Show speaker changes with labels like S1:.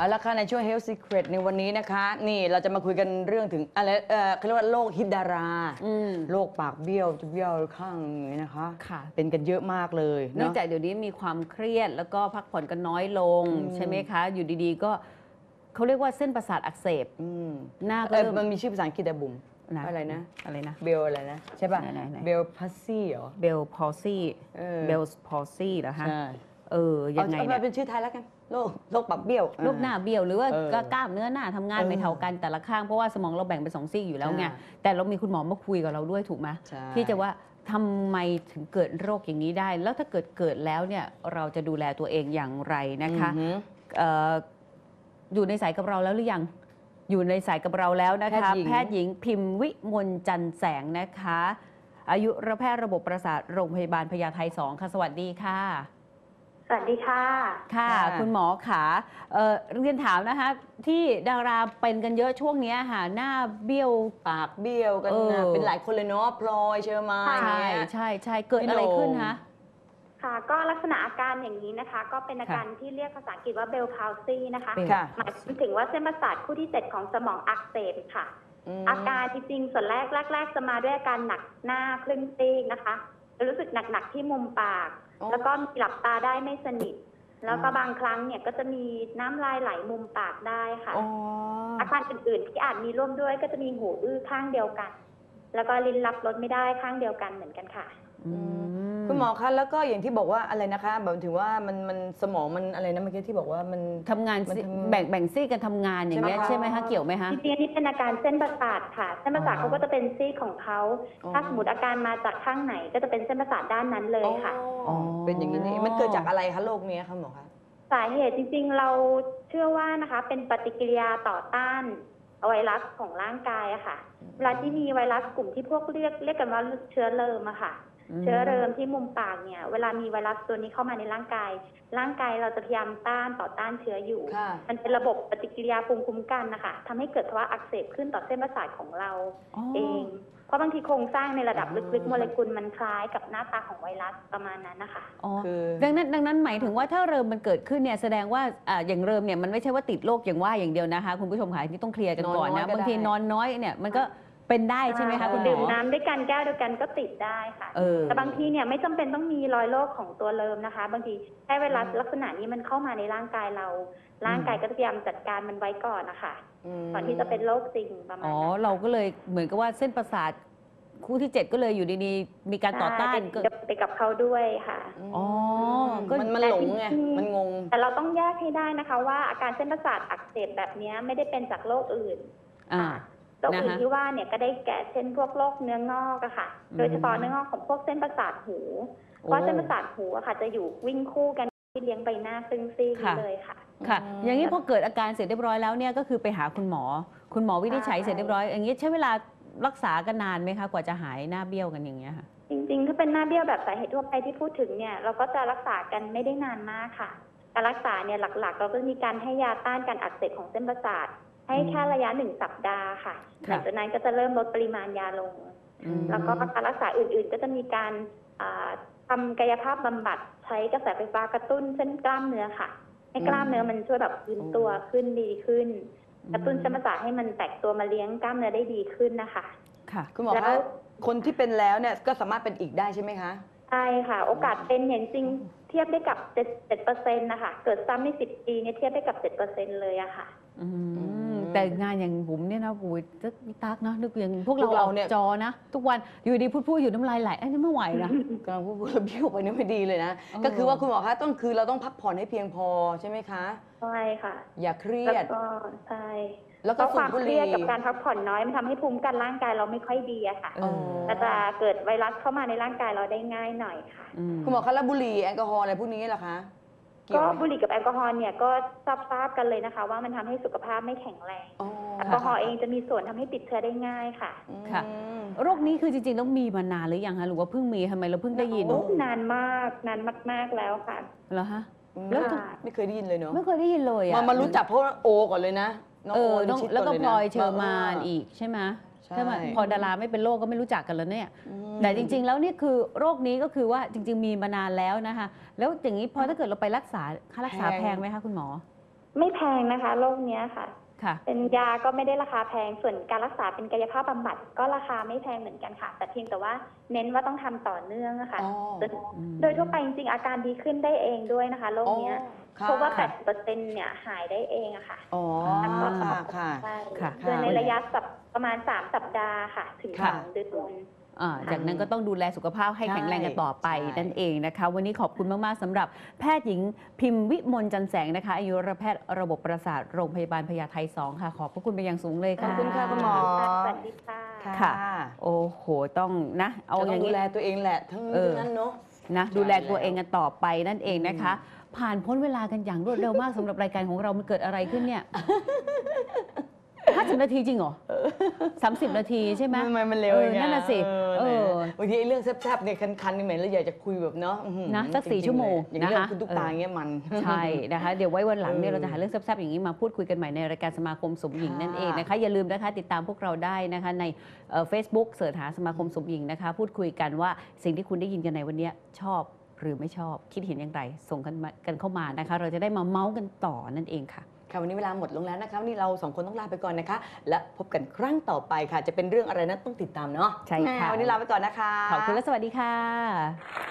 S1: เอาละค่ะในช่วง Health Secret ในวันนี้นะคะนี่เราจะมาคุยกันเรื่องถึงอะไรเขาเรียกว่าโรคฮิตดาราโรคปากเบี้ยวจะเบี้ยวข้างอย่างนี้นะคะ
S2: ค่ะ
S1: เป็นกันเยอะมากเลย
S2: เนื่องจากเดี๋ยวนี้มีความเครียดแล้วก็พักผ่อนกันน้อยลงใช่ไหมคะอยู่ดีๆก็เขาเรียกว่าเส้นประสาทอักเสบหน้าก็
S1: มันมีชื่อภาษาอังกฤษแต่บุ๋มอะไรนะเบลอะไรนะใช่ป่ะเบลพัซซี่เหรอ
S2: เบลพอซี่เบลพอซี่เหรอฮะยังไงเนี่ย
S1: เป็นชื่อไทยแล้วกันโรคปากเบี้ยว
S2: โรคหน้าเบี้ยวหรือว่ากล้ามเนื้อหน้าทำงานไม่เท่ากันแต่ละข้างเพราะว่าสมองเราแบ่งเป็น2 ซีกอยู่แล้วไงแต่เรามีคุณหมอมาคุยกับเราด้วยถูกไหมที่จะว่าทำไมถึงเกิดโรคอย่างนี้ได้แล้วถ้าเกิดแล้วเนี่ยเราจะดูแลตัวเองอย่างไรนะคะอยู่ในสายกับเราแล้วหรือยังอยู่ในสายกับเราแล้วนะคะแพทย์หญิงพิมพ์วิมลจันทร์แสงนะคะอายุรแพทย์ระบบประสาทโรงพยาบาลพญาไท2ค่ะสวัสดีค่ะ
S3: สวัสดีค่ะ
S2: ค่ะคุณหมอขาเรียนถามนะคะที่ดาราเป็นกันเยอะช่วงนี้ค่ะหน้าเบี้ยว
S1: ปากเบี้ยวกันเป็นหลายคนเลยเนาะพลอยเชอร์มาน
S2: ใช่เกิดอะไรขึ้นคะ
S3: ค่ะก็ลักษณะอาการอย่างนี้นะคะก็เป็นอาการที่เรียกภาษาอังกฤษว่าเบลพาวซีนะคะหมายถึงว่าเส้นประสาทคู่ที่7ของสมองอักเสบค่ะอาการจริงๆส่วนแรกจะมาด้วยอาการหนักหน้าครึ่งซีกนะคะรู้สึกหนักๆที่มุมปากแล้วก็มีหลับตาได้ไม่สนิทแล้วก็บางครั้งเนี่ยก็จะมีน้ำลายไหลมุมปากได้ค่ะอาการอื่นๆที่อาจมีร่วมด้วยก็จะมีหูอื้อข้างเดียวกันแล้วก็ลิ้นรับรสไม่ได้ข้างเดียวกันเหมือนกันค่ะ
S1: คุณหมอคะแล้วก็อย่างที่บอกว่าอะไรนะคะแบบถือว่ามันสมองมันอะไรนะเมื่อกี้ที่บอกว่ามัน
S2: ทำงานแบ่งซีกกันทำงานอย่างเงี้ยใช่ไหมคะเกี่ยวไหมคะ
S3: จริงๆนี่เป็นอาการเส้นประสาทค่ะเส้นประสาทเขาก็จะเป็นซีกของเขาถ้าสมมติอาการมาจากข้างไหนก็จะเป็นเส้นประสาทด้านนั้นเลยค่ะ
S1: เป็นอย่างนี้นี่มันเกิดจากอะไรคะโรคนี้คะหมอคะ
S3: สาเหตุจริงๆเราเชื่อว่านะคะเป็นปฏิกิริยาต่อต้านไวรัสของร่างกายอะค่ะเวลาที่มีไวรัสกลุ่มที่พวกเรียกกันว่าเชื้อเริมอะค่ะเชื้อเริมที่มุมปากเนี่ยเวลามีไวรัสตัวนี้เข้ามาในร่างกายเราจะพยายามต่อต้านเชื้ออยู่มันเป็นระบบปฏิกิริยาภูมิคุ้มกันนะคะทำให้เกิดภาวะอักเสบขึ้นต่อเส้นประสาทของเราเองเพราะบางทีโครงสร้างในระดับลึกๆโมเลกุลมันคล้ายกับหน้าตาของไวรัสประมาณนั้นนะคะ
S2: ดังนั้นหมายถึงว่าถ้าเริมมันเกิดขึ้นเนี่ยแสดงว่าอย่างเริมเนี่ยมันไม่ใช่ว่าติดโรคอย่างว่าอย่างเดียวนะคะคุณผู้ชมค่ะที่ต้องเคลียร์กันก่อนนะบางทีนอนน้อยเนี่ยมันก็เป็นได้ใช่ไหมคะคุณหมอ
S3: ดื่มน้ำด้วยกันแก้วเดียวกันก็ติดได้ค่ะแต่บางทีเนี่ยไม่จำเป็นต้องมีรอยโรคของตัวเริมนะคะบางทีแค่ไวรัสลักษณะนี้มันเข้ามาในร่างกายเราร่างกายก็จะพยายามจัดการมันไว้ก่อนนะคะก่อนที่จะเป็นโรคจริงประมาณนั้น
S2: เราก็เลยเหมือนกับว่าเส้นประสาทคู่ที่7ก็เลยอยู่ดีๆมีการต่อต้าน
S3: ไปกับเขาด้วยค่ะ
S1: มันหลงไงมันงง
S3: แต่เราต้องแยกให้ได้นะคะว่าอาการเส้นประสาทอักเสบแบบนี้ไม่ได้เป็นจากโรคอื่นโรคอื่นที่ว่าเนี่ยก็ได้แก่เช่นพวกโรคเนื้องอกอะค่ะโดยเฉพาะเนื้องอกของพวกเส้นประสาทหูเพราะเส้นประสาทหูอะค่ะจะอยู่วิ่งคู่กันที่เลี้ยงใบหน้าซึ่งซีกเลยค่ะ
S2: ค่ะอย่างนี้พอเกิดอาการเสร็จเรียบร้อยแล้วเนี่ยก็คือไปหาคุณหมอวินิจฉัยเสร็จเรียบร้อยอย่างนี้ใช้เวลารักษากันนานไหมคะกว่าจะหายหน้าเบี้ยวกันอย่างเงี้ยค่ะ
S3: จริงๆถ้าเป็นหน้าเบี้ยวแบบสาเหตุทั่วไปที่พูดถึงเนี่ยเราก็จะรักษากันไม่ได้นานมากค่ะการรักษาเนี่ยหลักๆเราก็มีการให้ยาต้านการอักเสบของเส้นประสาทให้แค่ระยะ1 สัปดาห์ค่ะหลังจากนั้นก็จะเริ่มลดปริมาณยาลงแล้วก็การรักษาอื่นๆก็จะมีการทำกายภาพบำบัดใช้กระแสไฟฟ้ากระตุ้นเส้นกล้ามเนื้อค่ะให้กล้ามเนื้อมันช่วยแบบยืนตัวขึ้นดีขึ้นกระตุ้นเส้นประสาทให้มันแตกตัวมาเลี้ยงกล้ามเนื้อได้ดีขึ้นนะคะ
S1: ค่ะคุณหมอคะคนที่เป็นแล้วเนี่ยก็สามารถเป็นอีกได้ใช่ไหมคะ
S3: ใช่ค่ะโอกาสเป็นเห็นจริงเทียบได้กับ7%นะคะเกิดซ้ำใน10 ปีเนี่ยเทียบได้กับ7%เลยอะค่ะ
S2: แต่งานอย่างบุ๋มเนี่ยนะบุ๋ยตักนะนึกอย่างพวกเราเนี่ยจอนะทุกวันอยู่ดีพูดอยู่น้ำลายไหลนี่ไม่ไหวนะ
S1: กำลังพูดเบี้ยวไปนี่ไม่ดีเลยนะก็คือว่าคุณหมอคะคือเราต้องพักผ่อนให้เพียงพอใช่ไหมคะ
S3: ใช่ค่ะ
S1: อย่าเครียด
S3: ก็ใช่แล้วก็ความเครียดกับการพักผ่อนน้อยมันทำให้ภูมิกันร่างกายเราไม่ค่อยดีอะค่ะก็จะเกิดไวรัสเข้ามาในร่างกายเราได้ง่ายหน่อยค่ะ
S1: คุณหมอคะแล้วบุหรี่แอลกอฮอล์อะไรพวกนี้เหรอคะ
S3: ก็บุหรี่กับแอลกอฮอล์เนี่ยก็ทราบกันเลยนะคะว่ามันทำให้สุขภาพไม่แข็งแรงแอลกอฮอล์เองจะมีส่วนทำให้ติดเชื้อได้ง่ายค่ะ
S2: ค่ะโรคนี้คือจริงๆต้องมีมานานหรือยังคะหรือว่าเพิ่งมีทำไมเราเพิ่งได้ยิน
S3: นานมากแล้วค่ะ
S2: เหรอฮะ
S1: แล้วไม่เคยได้ยินเลยเนาะ
S2: ไม่เคยได้ยินเลย
S1: มารู้จักเพราะโอก่อนเลยนะ
S2: แล้วก็พลอยเชอร์มานอีกใช่ไหมถ้าพอดาราไม่เป็นโรคก็ไม่รู้จักกันแล้วเนี่ยแต่จริงๆแล้วนี่คือโรคนี้ก็คือว่าจริงๆมีมานานแล้วนะคะแล้วอย่างนี้พอถ้าเกิดเราไปรักษาค่ารักษาแพงไหมคะคุณหมอ
S3: ไม่แพงนะคะโรคเนี้ยค่ะ
S2: ค่ะ
S3: เป็นยาก็ไม่ได้ราคาแพงส่วนการรักษาเป็นกายภาพบำบัดก็ราคาไม่แพงเหมือนกันค่ะ แต่เพียงแต่ว่าเน้นว่าต้องทำต่อเนื่องอะค่ะ
S1: อ๋อ
S3: โดยทั่วไปจริงๆอาการดีขึ้นได้เองด้วยนะคะโรคเนี้ย
S1: ค่ะ
S3: เพราะว่า 80%เนี่ยหายได้เองอะค่ะ
S1: อ๋อ ค่ะ
S3: ใช่
S2: ค่ะ
S3: โดยในระยะประมาณ3 สัปดาห์ค่ะ ถึง
S1: ค่ะ
S3: 2 เดือน
S2: จากนั้นก็ต้องดูแลสุขภาพให้
S1: ใช่
S2: แข็งแรงกันต่อไป
S1: ใช่
S2: นั่นเองนะคะ วันนี้ขอบคุณมาก ๆสำหรับแพทย์หญิงพิมพ์วิมลจันแสงนะคะอายุรแพทย์ระบบประสาทโรงพยาบาลพญาไท2ค่ะ ขอบพระคุณเป็นอย่างสูงเลย
S1: ขอ
S2: ค่ะ
S1: บคุณค่ะคุณหมอ
S3: สวัสดีค่ะ
S2: ค่ะ โอ้โห ต้องนะ เอา
S1: จะ
S2: อ
S1: ต้อย่าง
S2: ง
S1: ดู
S2: นี้
S1: แลตัวเองแหละทั้งนี้ทั้งนั้นเนาะ
S2: นะดูแลตัวเองกันต่อไปนั่นเองนะคะ ผ่านพ้นเวลากันอย่างรวดเร็วมากสำหรับรายการของเรา มันเกิดอะไรขึ้นเนี่ย 50 นาทีจริงเหรอ 30 นาทีใช่ไหม
S1: ทำไมมันเร็วอย่างเงี้ย
S2: นั่นน่ะสิ
S1: บางทีไอ้เรื่องแซ่บๆเนี่ยคันๆนี่เหม็นแล้วอยากจะคุยแบบเนาะอื้อหือ
S2: นะสัก
S1: จริๆ
S2: 4 ชั่วโมง
S1: อย่างเรื่อง
S2: นะคะ
S1: คุณตุ๊กตาอย่างเงี้ยมัน
S2: ใช่นะคะ เดี๋ยวไว้วันหลังเนี่ย
S1: เออ
S2: เราจะหาเรื่องแซ่บๆอย่างนี้มาพูดคุยกันใหม่ในรายการสมาคมสมหญิงนั่นเองนะคะ อย่าลืมนะคะติดตามพวกเราได้นะคะในFacebook เสิร์ชหาสมาคมสมหญิงนะคะ พูดคุยกันว่าสิ่งที่คุณได้ยินกันในวันนี้ชอบหรือไม่ชอบคิดเห็นอย่างไรส่งกันเข้ามานะคะ เราจะได้มาเมาส์กันต่อนั่นเองค่ะ
S1: ค่ะวันนี้เวลาหมดลงแล้วนะคะวันนี้เราสองคนต้องลาไปก่อนนะคะ และพบกันครั้งต่อไปค่ะ จะเป็นเรื่องอะไรนั้นต้องติดตามเนาะ
S2: ใช่ค่ะ
S1: วันนี้ลาไปก่อนนะคะ
S2: ขอบคุณและสวัสดีค่ะ